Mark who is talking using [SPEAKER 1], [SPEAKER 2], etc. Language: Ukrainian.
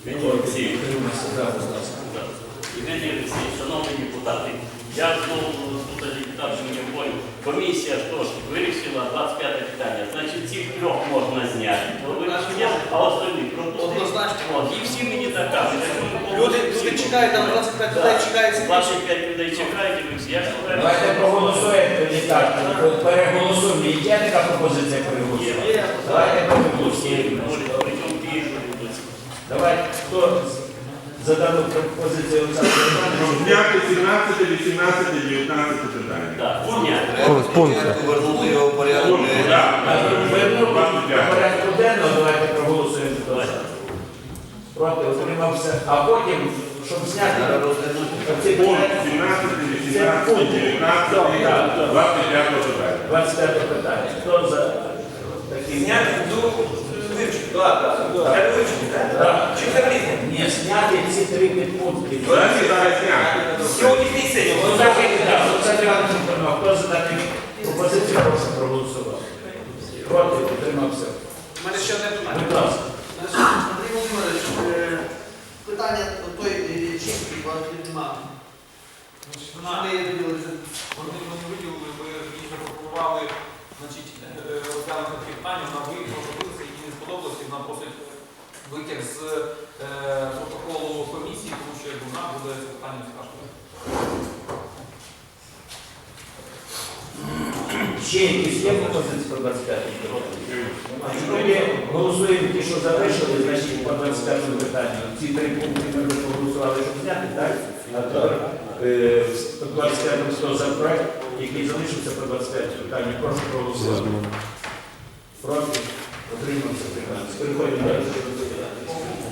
[SPEAKER 1] Євгеній Олексійович, Євгеній Олексійович, шановні депутати, я знову тут депутат Жмінєвой. Комісія ж теж вирішила 25 питання. Значить, цих трьох можна зняти. А остальні
[SPEAKER 2] Однозначно.
[SPEAKER 1] І всі мені так кажуть.
[SPEAKER 2] Люди чекають, там 25 людей чекають.
[SPEAKER 1] 25 людей чекають, і ви всі.
[SPEAKER 3] Давайте проголосуємо тоді так. Переголосуємо. Є така пропозиція переголосувати? Давайте проголосуємо. Давайте, хто за дану пропозицію Олександра Івановича?
[SPEAKER 4] Зняти 17, 18, 19 питання.
[SPEAKER 1] Так, зняти.
[SPEAKER 5] Повернути його в порядок.
[SPEAKER 3] Порядку денного давайте проголосуємо. Проти, утримався. А потім, щоб зняти оці
[SPEAKER 4] Пункт
[SPEAKER 3] питання.
[SPEAKER 4] 17, 18, 19, 25 питання.
[SPEAKER 3] 25 питання. Хто за такі?
[SPEAKER 5] Зняти до вивчення. Так. Чи взагалі?
[SPEAKER 3] Ні, зняти ці три підпункти.
[SPEAKER 4] Давайте зараз зняти.
[SPEAKER 5] Сьогоднішній сесії.
[SPEAKER 3] Хто за таку пропозицію, прошу проголосувати. Проти, утримався.
[SPEAKER 2] У мене ще одне питання.
[SPEAKER 3] Будь ласка.
[SPEAKER 2] Андрій Володимирович, питання той чистки, якої немає. Вони виділилися.
[SPEAKER 6] Вони виділили, ми їх запропонували, розглянути такі питання, вона виявилася, їй не сподобалося, і вона просить витяг з протоколу комісії, тому що вона буде це питання скажемо.
[SPEAKER 3] Ще якісь є пропозиції по 25 року? Тоді голосуємо ті, що залишили, значить по 25 питанню. Ці три пункти ми вже проголосували, щоб зняти, так? А тепер по 25 хто за проект, який залишився по 25 питанню, прошу проголосувати. Проти? Отримався. Переходимо далі.